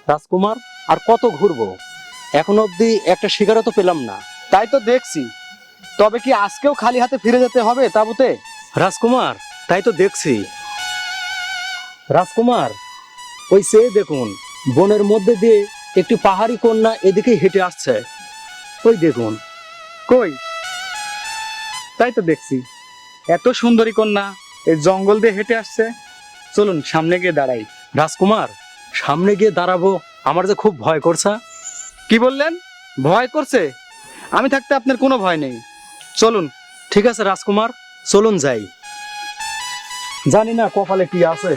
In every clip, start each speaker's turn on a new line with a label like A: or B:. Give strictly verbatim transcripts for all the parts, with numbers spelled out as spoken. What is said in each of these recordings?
A: রাজকুমার আর কত ঘুরবো, এখন অবধি একটা শিকারও তো পেলাম না।
B: তাই তো দেখছি, তবে কি আজকেও খালি হাতে ফিরে যেতে হবে তাঁবুতে?
A: রাজকুমার তাই তো দেখছি। রাজকুমার ওই সে দেখুন, বনের মধ্যে দিয়ে একটি পাহাড়ি কন্যা এদিকে হেঁটে আসছে। ওই দেখুন।
B: কই? তাই তো দেখছি, এত সুন্দরী কন্যা এই জঙ্গল দিয়ে হেঁটে আসছে। চলুন সামনে গিয়ে দাঁড়াই।
A: রাজকুমার সামনে গিয়ে দাঁড়াবো, আমার যে খুব ভয় করছে।
B: কি বললেন? ভয় করছে? আমি থাকতে আপনার কোনো ভয় নেই, চলুন।
A: ঠিক আছে রাজকুমার, চলুন যাই। জানি না কপালে কি আছে।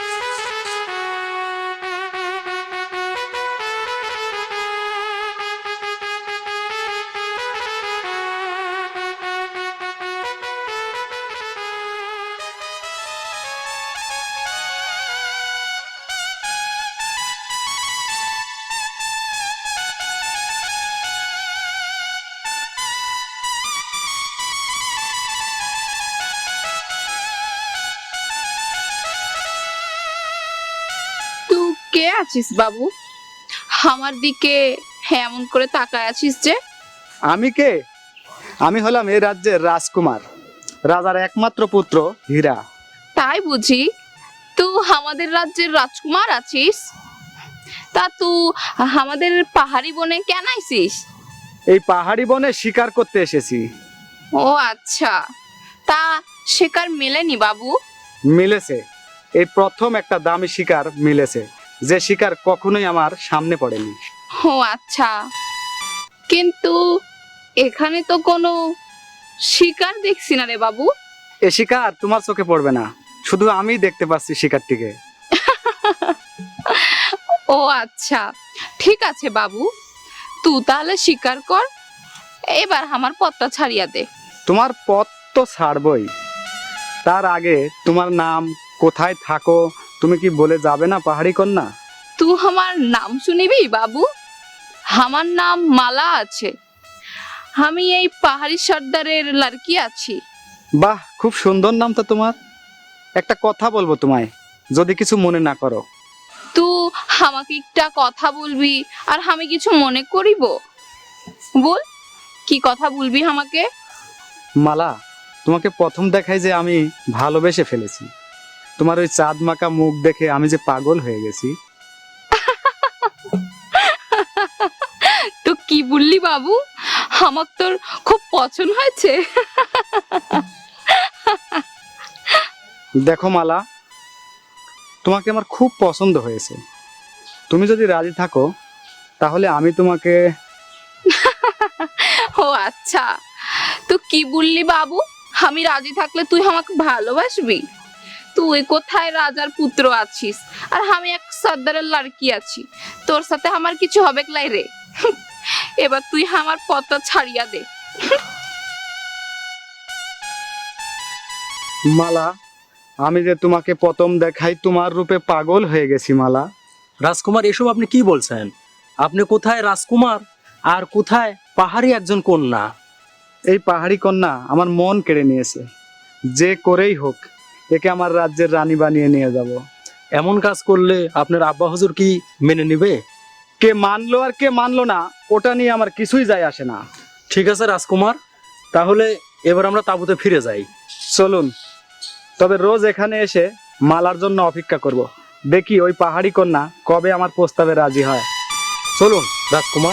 C: তুই কে আছিস বাবু? আমার দিকে এমন করে তাকায় আছিস যে?
B: আমি কে? আমি হলাম এই রাজ্যের রাজকুমার, রাজার একমাত্র পুত্র হীরা।
C: তাই বুঝি তুই আমাদের রাজ্যের রাজকুমার আছিস? তা তুই আমাদের পাহাড়ি বনে কেন আইছিস?
B: এই পাহাড়ি বনে শিকার করতে এসেছি।
C: ও আচ্ছা, তা শিকার মেলেনি বাবু?
B: মিলেছে, এই প্রথম একটা দামি শিকার মিলেছে, যে শিকার কখনোই আমার সামনে পড়েনি।
C: ও আচ্ছা, কিন্তু এখানে তো কোনো শিকার দেখছি না রে বাবু।
B: এ শিকার তোমার চোখে পড়বে না, শুধু আমি দেখতে পাচ্ছি শিকারটিকে।
C: ও আচ্ছা, ঠিক আছে বাবু, তুই তাহলে শিকার কর, এবার আমার পথটা ছাড়িয়া দে।
B: তোমার পথ তো ছাড়বই, তার আগে তোমার নাম, কোথায় থাকো, তুমি কি বলে যাবে না পাহাড়ি কন্যা?
C: তুই আমার নাম শুনিবি বাবু? আমার নাম মালা আছে, আমি এই পাহাড়ি সর্দারের লড়কি আছি।
B: বাহ, খুব সুন্দর নাম তো তোমার। একটা কথা বলবো তোমায়, যদি কিছু মনে না করো।
C: তুই আমাকে একটা কথা বলবি আর আমি কিছু মনে করিব? বল, কি কথা বলবি আমাকে?
B: মালা, তোমাকে প্রথম দেখাই যে আমি ভালোবেসে ফেলেছি। তোমার ওই চাঁদ মাখা মুখ দেখে আমি যে পাগল হয়ে গেছি।
C: তো কি বললি বাবু? আমার তোর খুব পছন্দ হয়েছে।
B: দেখো মালা, তোমাকে আমার খুব পছন্দ হয়েছে। তুমি যদি রাজি থাকো তাহলে আমি তোমাকে।
C: ও আচ্ছা, তো কি বললি বাবু? আমি রাজি থাকলে তুই আমাকে ভালোবাসবি? তুই কোথায় রাজার পুত্র আছিস আর আমি এক সর্দারের লড়কি আছি, তোর সাথে আমার কিছু হবে লাই রে। এবার তুই আমার পথটা ছাড়িয়া দে।
B: মালা, আমি যে তোমাকে প্রথম দেখাই তোমার রূপে পাগল হয়ে গেছি মালা।
A: রাজকুমার এসব আপনি কি বলছেন? আপনি কোথায় রাজকুমার আর কোথায় পাহাড়ি একজন কন্যা?
B: এই পাহাড়ি কন্যা আমার মন কেড়ে নিয়েছে, যে করেই হোক একে আমার রাজ্যের রানী বানিয়ে নিয়ে যাব।
A: এমন কাজ করলে আপনার আব্বা হুজুর কি মেনে নিবে?
B: কে মানলো আর কে মানলো না, ওটা নিয়ে আমার কিছুই যায় আসে না।
A: ঠিক আছে রাজকুমার, তাহলে এবার আমরা তাঁবুতে ফিরে যাই।
B: চলুন, তবে রোজ এখানে এসে মালার জন্য অপেক্ষা করব, দেখি ওই পাহাড়ি কন্যা কবে আমার প্রস্তাবে রাজি হয়।
A: চলুন রাজকুমার।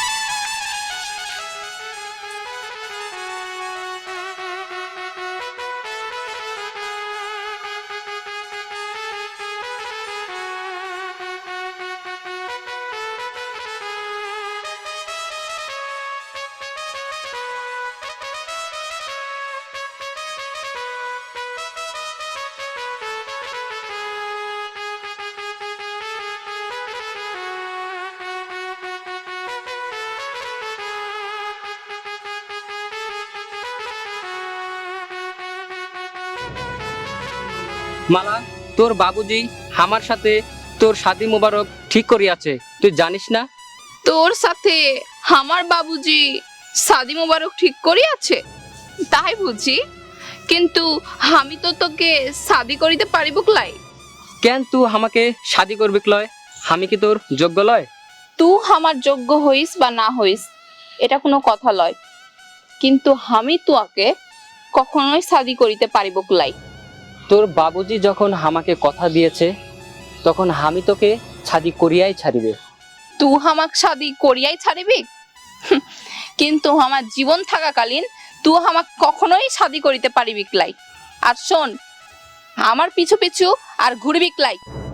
D: মালা, তোর বাবুজি আমার সাথে তোর শাদি মোবারক ঠিক করিয়াছে, তুই জানিস না?
C: তোর সাথে আমার বাবুজি শাদি মোবারক ঠিক করিয়াছে? তাই বুঝি, কিন্তু আমি তো তোকে শাদি করিতে পারিব ক্লাই।
D: কেন তুই আমাকে শাদি করবি ক্লয়? আমি কি তোর যোগ্য লয়?
C: তুই আমার যোগ্য হইস বা না হইস এটা কোনো কথা লয়, কিন্তু আমি তোকে কখনোই শাদি করিতে পারিব কুলাই।
D: তোর বাবুজি যখন আমাকে কথা দিয়েছে তখন আমি তোকে শাদি করিয়াই ছাড়িবে।
C: তুই আমাক শাদি করিয়াই ছাড়িবি? হুঁ, কিন্তু আমার জীবন থাকাকালীন তুই আমাক কখনোই শাদি করিতে পারিবি ক্লাই। আর শোন, আমার পিছু পিছু আর ঘুরবি ক্লাই।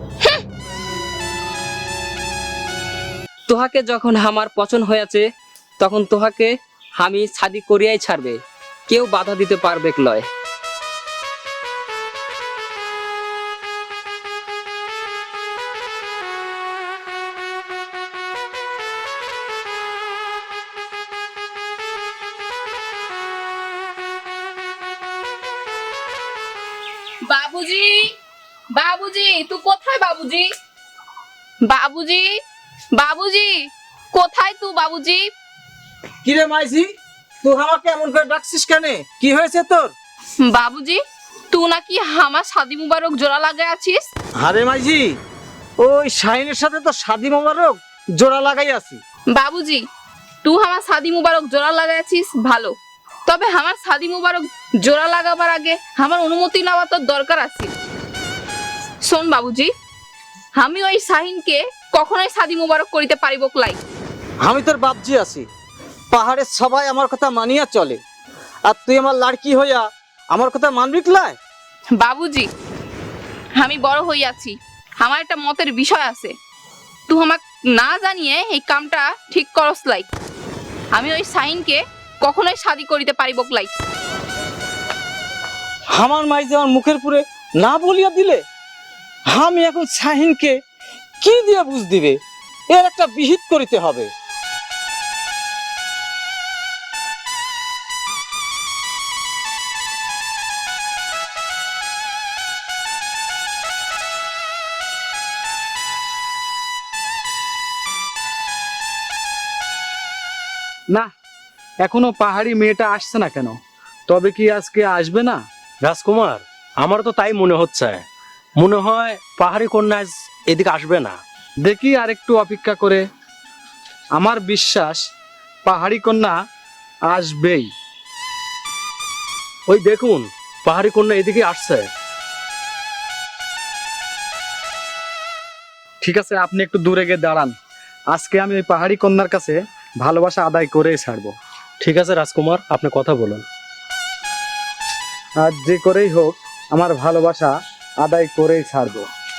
D: তোহাকে যখন আমার পছন্দ হয়েছে তখন তোহাকে আমি শাদি করিয়াই ছাড়বে, কেউ বাধা দিতে পারবে লয়।
C: বাবুজি, বাবুজি, তুই কোথায় বাবুজি? বাবুজি, বাবুজি, কোথায় তুই বাবুজি?
E: কিরে মাইজি, তুই আমাকে এমন করে ডাকছিস কেন? কি হয়েছে তোর?
C: বাবুজি, তুই নাকি আমার শাদি মুবারক জোড়া লাগাই আছিস?
E: আরে মাইজি, ওই শাহিনের সাথে তো শাদি মোবারক জোড়া লাগাই আছি।
C: বাবুজি, তুই আমার শাদি মুবারক জোড়া লাগাই আছিস ভালো, তবে আমার শাদি মুবারক জোড়া লাগাবার আগে আমার অনুমতি নেওয়া তোর দরকার আছে। শোন বাবুজি, আমি ওই শাহিনকে কখনোই শাদি মুবারক করিতে পারিব ক্লাই।
E: আমি তোর বাপজি আছি, পাহাড়ের সবাই আমার কথা মানিয়া চলে, আর তুই আমার লাড়কি হইয়া আমার কথা মানবি ক্লায়?
C: বাবুজি, আমি বড় হইয়াছি, আমার একটা মতের বিষয় আছে, তুই আমাক না জানিয়ে এই কামটা ঠিক করস লাই। আমি ওই শাহিনকে কখনোই শাদি করিতে পারিব ক্লাই।
E: আমার মাইজি আমার মুখের পুরে না বলিয়া দিলে, আমি এখন শাহিনকে কি দিয়ে বুঝ দিবে? এর একটা বিহিত করিতে হবে।
B: না, এখনো পাহাড়ি মেয়েটা আসছে না কেন? তবে কি আজকে আসবে না?
A: রাজকুমার, আমার তো তাই মনে হচ্ছে। মনে হয় পাহাড়ি কন্যা আজ এদিকে আসবে না।
B: দেখি আর একটু অপেক্ষা করে, আমার বিশ্বাস পাহাড়ি কন্যা আসবেই।
A: ওই দেখুন, পাহাড়ি কন্যা এদিকে আসছে।
B: ঠিক আছে, আপনি একটু দূরে গিয়ে দাঁড়ান, আজকে আমি ওই পাহাড়ি কন্যার কাছে ভালোবাসা আদায় করেই ছাড়বো।
A: ঠিক আছে রাজকুমার, আপনি কথা বলুন।
B: আর যে করেই হোক আমার ভালোবাসা আদায় করেই ছাড়বো।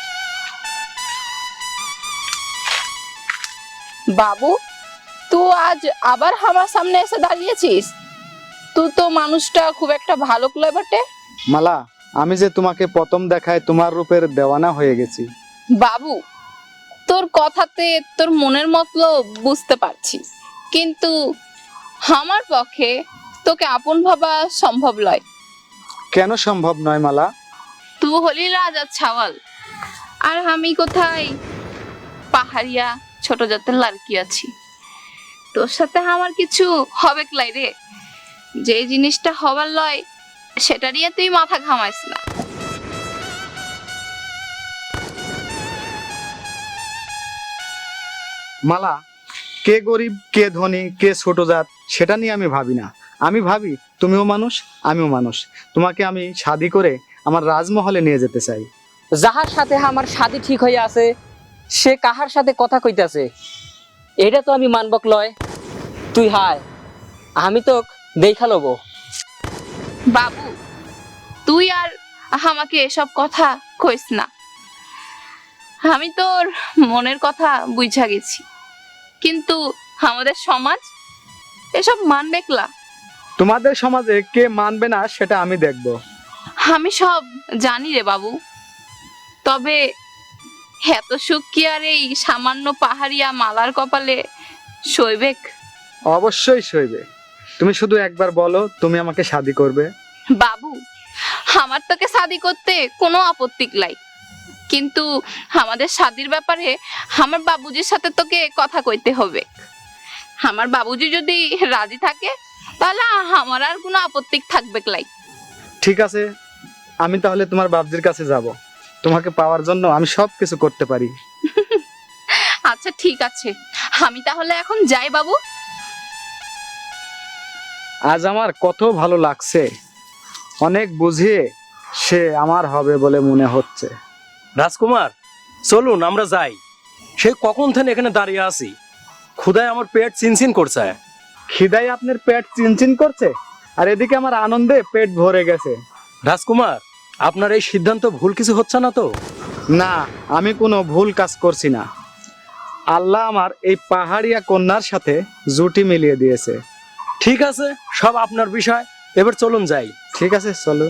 C: বাবু, তুই আজ আবার আমার সামনে এসে দাঁড়িয়েছিস? তুই তো মানুষটা খুব একটা ভালো ক্লয় বটে।
B: মালা, আমি যে তোমাকে প্রথম দেখায় তোমার রূপের দেওয়ানা হয়ে গেছি।
C: বাবু, তোর কথাতে তোর মনের মতলব বুঝতে পারছি, কিন্তু আমার পক্ষে তোকে আপন ভাবা সম্ভব নয়।
B: কেন সম্ভব নয় মালা?
C: তুই হলি রাজার ছাওয়াল, আর আমি কোথায় পাহাড়িয়া ছোট জাতের লাড়কি আছি। তোর সাথে আমার কিছু হবে ক্লাই রে, যে জিনিসটা হবার লয় সেটা নিয়ে তুই মাথা ঘামাইস না।
B: মালা, কে গরিব কে ধনী কে ছোট জাত সেটা নিয়ে আমি ভাবি না। আমি ভাবি তুমিও মানুষ আমিও মানুষ, তোমাকে আমি শাদি করে আমার রাজমহলে নিয়ে যেতে চাই।
D: যাহার সাথে আমার শাদি ঠিক হইয়া আছে সে কাহার সাথে কথা কইতাছে, এটা তো আমি মানবক লয়। তুই হায়, আমি তো দেখা লব।
C: বাবু, তুই আর আমাকে এসব কথা কইস না, আমি তোর মনের কথা বুঝা গেছি, কিন্তু আমাদের সমাজ এসব মানবে ক্লা?
B: তোমাদের সমাজে কে মানবে না সেটা আমি দেখব।
C: আমি সব জানি রে বাবু, তবে এত সুখ কি আর এই সামান্য পাহাড়িয়া মালার কপালে সইবেক?
B: অবশ্যই সইবে। তুমি শুধু একবার বলো তুমি আমাকে শাদি করবে।
C: বাবু, আমার তোকে শাদি করতে কোনো আপত্তি নাই, কিন্তু আমাদের শাদির ব্যাপারে আমার বাবুজির সাথে তোকে কথা কইতে হবে। আমার বাবুজি যদি রাজি থাকে তাহলে আমার আর কোনো আপত্তি থাকবে লাই।
B: ঠিক আছে, আমি তাহলে তোমার বাবজির কাছে যাব, তোমাকে পাওয়ার জন্য আমি সব কিছু করতে পারি।
C: আচ্ছা ঠিক আছে, আমি তাহলে এখন যাই বাবু।
B: আজ আমার কত ভালো লাগছে, অনেক বুঝিয়ে সে আমার হবে বলে মনে হচ্ছে।
A: রাজকুমার, চলুন আমরা যাই। সে কখন থেকে এখানে দাঁড়িয়ে আছি, ক্ষুধায় আমার পেট চিনচিন করছে।
B: খিদাই আপনার পেট চিনচিন করছে, আর এদিকে আমার আনন্দে পেট ভরে গেছে।
A: রাজকুমার, আপনার এই সিদ্ধান্ত ভুল কিছু হচ্ছে না তো?
B: না, আমি কোনো ভুল কাজ করছি না। আল্লাহ আমার এই পাহাড়িয়া কন্যার সাথে জুটি মিলিয়ে দিয়েছে।
A: ঠিক আছে, সব আপনার বিষয়। এবার চলুন যাই।
B: ঠিক আছে, চলুন।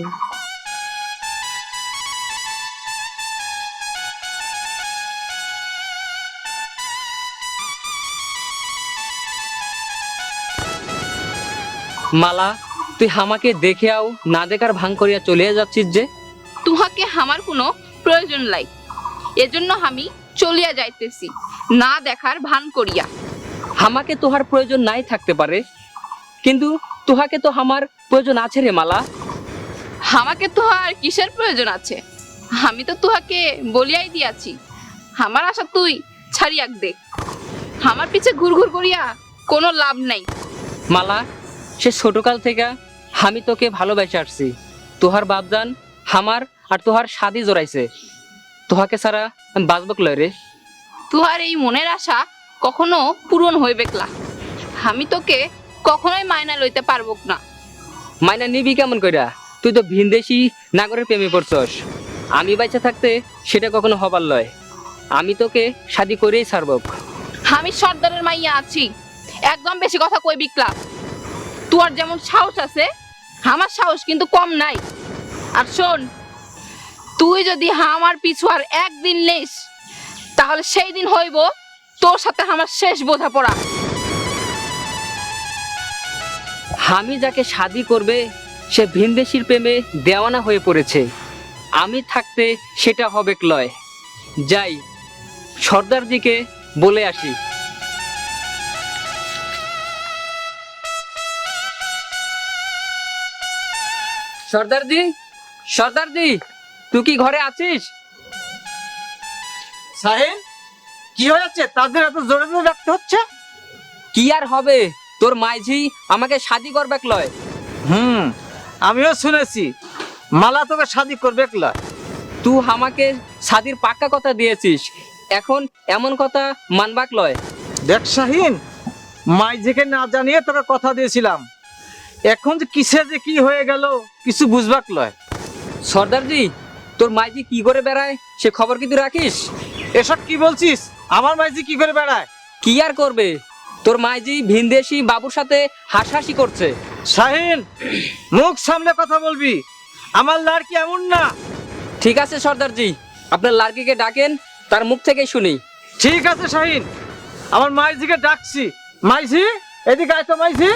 D: মালা, তুই আমাকে দেখে আও না দেখার ভান করিয়া চলে যাচ্ছিস যে?
C: তুহাকে আমার কোনো প্রয়োজন নাই, এজন্য আমি চলিয়া যাইতেছি না দেখার ভান করিয়া।
D: আমাকে তোহার প্রয়োজন নাই থাকতে পারে, কিন্তু তোহাকে তো আমার প্রয়োজন আছে রে মালা।
C: আমাকে তোহার কিসের প্রয়োজন আছে? আমি তো তুহাকে বলিয়াই দিয়াছি, আমার আশা তুই ছাড়িয়াক দেখ। আমার পিছে ঘুর ঘুর করিয়া কোনো লাভ নাই।
D: মালা, সে ছোটকাল থেকে আমি তোকে ভালোবেসে আসছি। তোহার বাপজান আমার আর তোহার শাদি জড়াইছে, তোহাকে ছাড়া আমি বাঁচবক লয় রে।
C: তুহার এই মনের আশা কখনো পূরণ হইবে না। আমি তোকে কখনোই মায়না লইতে পারবো না।
D: মাইনা নিবি কেমন কইরা? তুই তো ভিনদেশি নাগরের প্রেমে পড়ছস। আমি বাইচা থাকতে সেটা কখনো হবার লয়। আমি তোকে শাদি করেই ছাড়বক।
C: আমি সর্দারের মাইয়া আছি, একদম বেশি কথা কই বিকলা। তোর যেমন সাহস আছে, আমার সাহস কিন্তু কম নাই। আর শোন, তুই যদি আমার পিছু আর একদিন নেস, তাহলে সেই দিন হইব তোর সাথে আমার শেষ বোঝাপড়া।
D: আমি যাকে শাদি করবে সে ভিনদেশির প্রেমে দেওয়ানা হয়ে পড়েছে। আমি থাকতে সেটা হবে লয়। যাই, সর্দার দিকে বলে আসি। সর্দারজি, সর্দারজি, তুই কি ঘরে আছিস?
E: সাহিন, কি হয়েছে? তাদের এত জোরে জোরে ডাকতে হচ্ছে?
D: কি আর হবে, তোর মাইঝি আমাকে শাদি করবে লয়।
E: হুম, আমিও শুনেছি মালা তোকে শাদি করবে একলা।
D: তুই আমাকে শাদির পাক্কা কথা দিয়েছিস, এখন এমন কথা মানবাক লয়।
E: দেখ শাহিন, মাইঝিকে না জানিয়ে তোকে কথা দিয়েছিলাম, এখন যে কিসে যে কি হয়ে গেল কিছু বুঝবাক লয়।
D: সর্দারজি, তোর মাইজি কি করে বেড়ায় সে খবর কি তুই রাখিস?
E: এসব কি বলছিস? আমার মাইঝি কি করে বেড়ায়?
D: কি আর করবে, তোর মাইজি ভিনদেশি বাবুর সাথে হাসাহাসি করছে।
E: শাহিন, মুখ সামলে কথা বলবি, আমার লাড়কি এমন না।
D: ঠিক আছে সর্দারজি, আপনার লার্কিকে ডাকেন, তার মুখ থেকে শুনি।
E: ঠিক আছে শাহিন, আমার মাইঝিকে ডাকছি। মাইঝি, এদিকে আয় তো মাইঝি।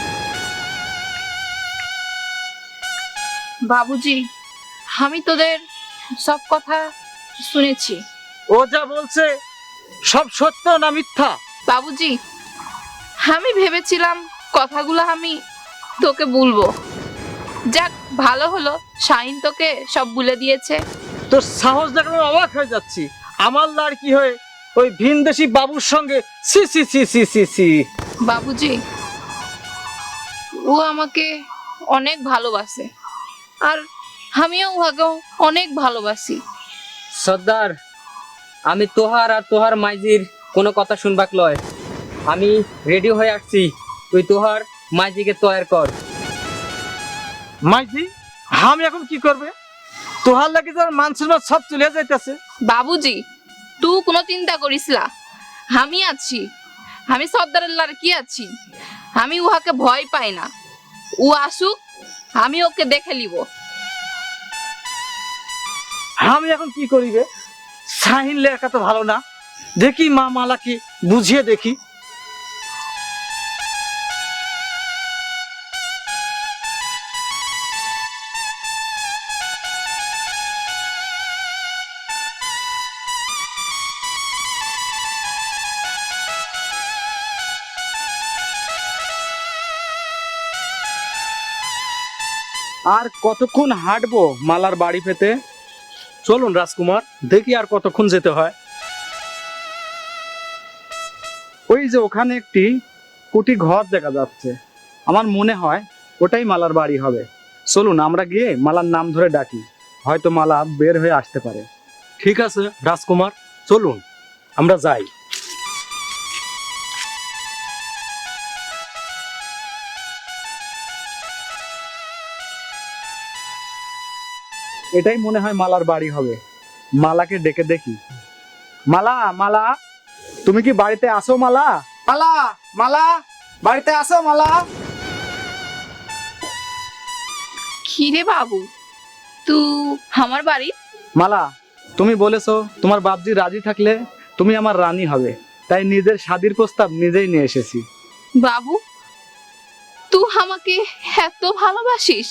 C: বাবুজি, আমি তোদের সব কথা শুনেছি।
E: ও যা বলছে সব সত্য না মিথ্যা?
C: বাবুজি, আমি ভেবেছিলাম কথাগুলো আমি তোকে বলবো। যাক, ভালো হলো শাহিন তোকে সব বলে দিয়েছে।
E: তোর সাহস দেখে আমি অবাক হয়ে যাচ্ছি। আমার লাড়কি হয়ে ওই ভিনদেশি বাবুর সঙ্গে সি সি সি সি সি সি।
C: বাবুজি, ও আমাকে অনেক ভালোবাসে, আর আমিও ওকে অনেক ভালোবাসি।
D: সর্দার, আমি তোহার আর তোহার মাইজির কোনো কথা শুনবাক লয়। আমি রেডি হয়ে আসছি, তুই তোহার মাইজিকে তৈরি কর।
E: মাইজি, আমি এখন কি করবে? তোহার লাগে তোর মান সম্মান সব চলে যাইতেছে।
C: বাবুজি, তুই কোনো চিন্তা করিস না, আমি আছি। আমি সর্দারের লাড়কি আছি, আমি উহাকে ভয় পাই না। ও আসুক, আমি ওকে দেখে নিব।
E: আমি এখন কি করিবে? শাহিন লেখা তো ভালো না, দেখি মা মালাকে বুঝিয়ে দেখি।
B: আর কতক্ষণ হাঁটবো মালার বাড়ি পেতে?
A: চলুন রাজকুমার, দেখি আর কতক্ষণ যেতে হয়।
B: ওই যে ওখানে একটি কুটি ঘর দেখা যাচ্ছে, আমার মনে হয় ওটাই মালার বাড়ি হবে। চলুন আমরা গিয়ে মালার নাম ধরে ডাকি, হয়তো মালা বের হয়ে আসতে পারে।
A: ঠিক আছে রাজকুমার, চলুন আমরা যাই।
B: এটাই মনে হয় মালার বাড়ি হবে। মালাকে ডেকে দেখি। মালা, মালা, তুমি কি বাড়িতে আসো? মালা, মালা, মালা, বাড়িতে আসো মালা।
C: কি রে বাবু, তু আমার বাড়ি?
B: মালা, তুমি বলেছো তোমার বাপজি রাজি থাকলে তুমি আমার রানী হবে, তাই নিজের শাদীর প্রস্তাব নিজেই নিয়ে এসেছি।
C: বাবু, তুই আমাকে এত ভালোবাসিস?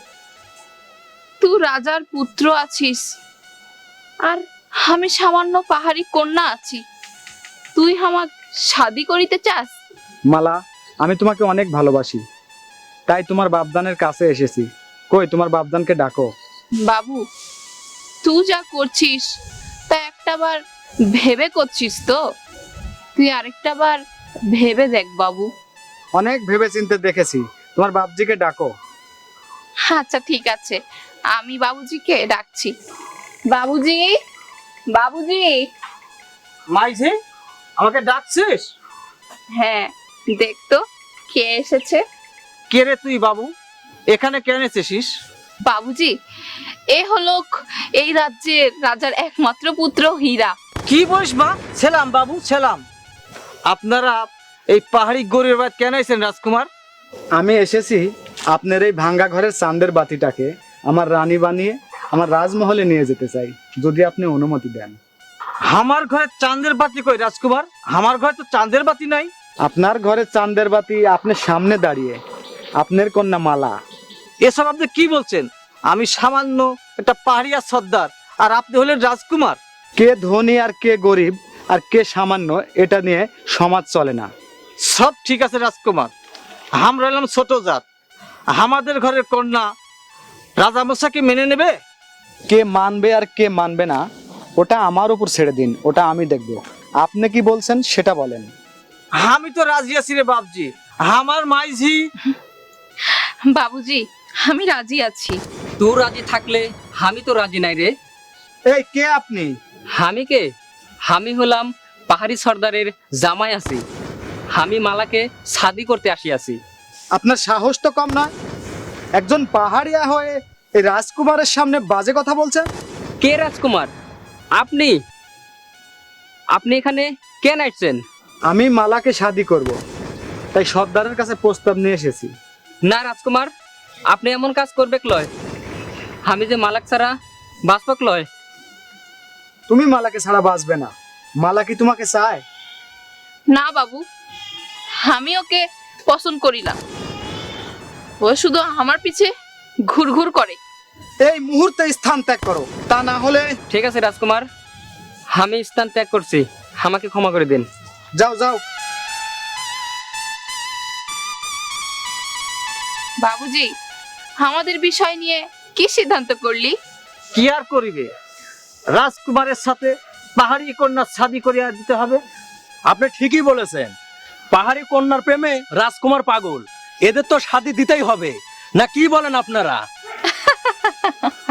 C: তুই রাজার পুত্র আছিস আর আমি সামান্য পাহাড়ি কন্যা আছি, তুই আমাকে শাদি করিতে চাস?
B: মালা, আমি তোমাকে অনেক ভালোবাসি, তাই তোমার বাপদানের কাছে এসেছি। কই তোমার বাপদানকে ডাকো।
C: বাবু, তুই যা করছিস তা একটা বার ভেবে করছিস তো? তুই আরেকটা বার ভেবে দেখ বাবু।
B: অনেক ভেবে চিন্তে দেখেছি, তোমার বাপজিকে ডাকো।
C: আচ্ছা ঠিক আছে, আমি বাবুজিকে ডাকছি। বাবুজি, বাবুজি।
E: মাইঝি, আমাকে ডাকছিস?
C: হ্যাঁ, দেখতো কে এসেছে।
E: কে রে তুই বাবু? এখানে কেন এসেছিস?
C: বাবুজি, এ হলো এই রাজ্যের রাজার একমাত্র পুত্র হীরা।
E: কি বলিস মা? ছেলাম বাবু, ছেলাম। আপনারা এই পাহাড়ি গরিবের বাড়ি কেন এসেছেন রাজকুমার?
B: আমি এসেছি আপনার এই ভাঙ্গা ঘরের চাঁদের বাতিটাকে আমার রানী বানিয়ে আমার রাজমহলে নিয়ে যেতে চাই, যদি আপনি অনুমতি দেন।
E: আমার ঘরে চাঁদের বাতি কই রাজকুমার? আমার ঘরে তো চাঁদের বাতি নাই।
B: আপনার ঘরে চাঁদের বাতি আপনার সামনে দাঁড়িয়ে, আপনার কন্যা মালা।
E: এসব আপনি কি বলছেন? আমি সামান্য একটা পাহাড়িয়া সর্দার, আর আপনি হলেন রাজকুমার।
B: কে ধনী আর কে গরিব আর কে সামান্য, এটা নিয়ে সমাজ চলে না।
E: সব ঠিক আছে রাজকুমার, আমরা এলাম ছোট জাত, আমাদের ঘরের কন্যা রাজামশাকে মেনে নেবে?
B: কে মানবে আর কে মানবে না ওটা আমার উপর ছেড়ে দিন, ওটা আমি দেখব। আপনি কি বলছেন সেটা বলেন।
E: আমি তো রাজি আছি রে বাপজি, আমার মাইঝি।
C: বাবুজি, আমি রাজি আছি।
D: তোর রাজি থাকলে আমি তো রাজি নাই রে।
B: এই কে আপনি?
D: আমি কে? আমি হলাম পাহাড়ি সর্দারের জামাই আছি। আমি মালাকে শাদি করতে আসিয়াছি।
B: আপনার সাহস তো কম নয়, একজন পাহাড়িয়া হয়ে এই রাজকুমারের সামনে বাজে কথা বলছেন।
D: কে রাজকুমার? আপনি আপনি এখানে কেন আসছেন?
B: আমি মালাকে শাদি করব, তাই সর্দারের কাছে প্রস্তাব নিয়ে এসেছি।
D: না রাজকুমার, আপনি এমন কাজ করবে লয়। আমি যে মালাক ছাড়া বাঁচবক লয়।
B: তুমি মালাকে ছাড়া বাঁচবে না। মালা কি তোমাকে চায়?
C: না বাবু, আমি ওকে পছন্দ করিলাম। ও শুধু আমার পিছে ঘুরঘুর করে।
B: এই মুহূর্তে স্থান ত্যাগ করো, তা না হলে।
D: ঠিক আছে রাজকুমার, আমি স্থান ত্যাগ করছি, আমাকে ক্ষমা করে দিন।
B: যাও যাও।
C: বাবুজি, আমাদের বিষয় নিয়ে কি সিদ্ধান্ত করলি?
E: কি আর করিবে, রাজকুমারের সাথে পাহাড়ি কন্যা শাদি করিয়া দিতে হবে।
A: আপনি ঠিকই বলেছেন, পাহাড়ি কন্যার প্রেমে রাজকুমার পাগল, এদের তো শাদি দিতেই হবে। না কি বলেন আপনারা?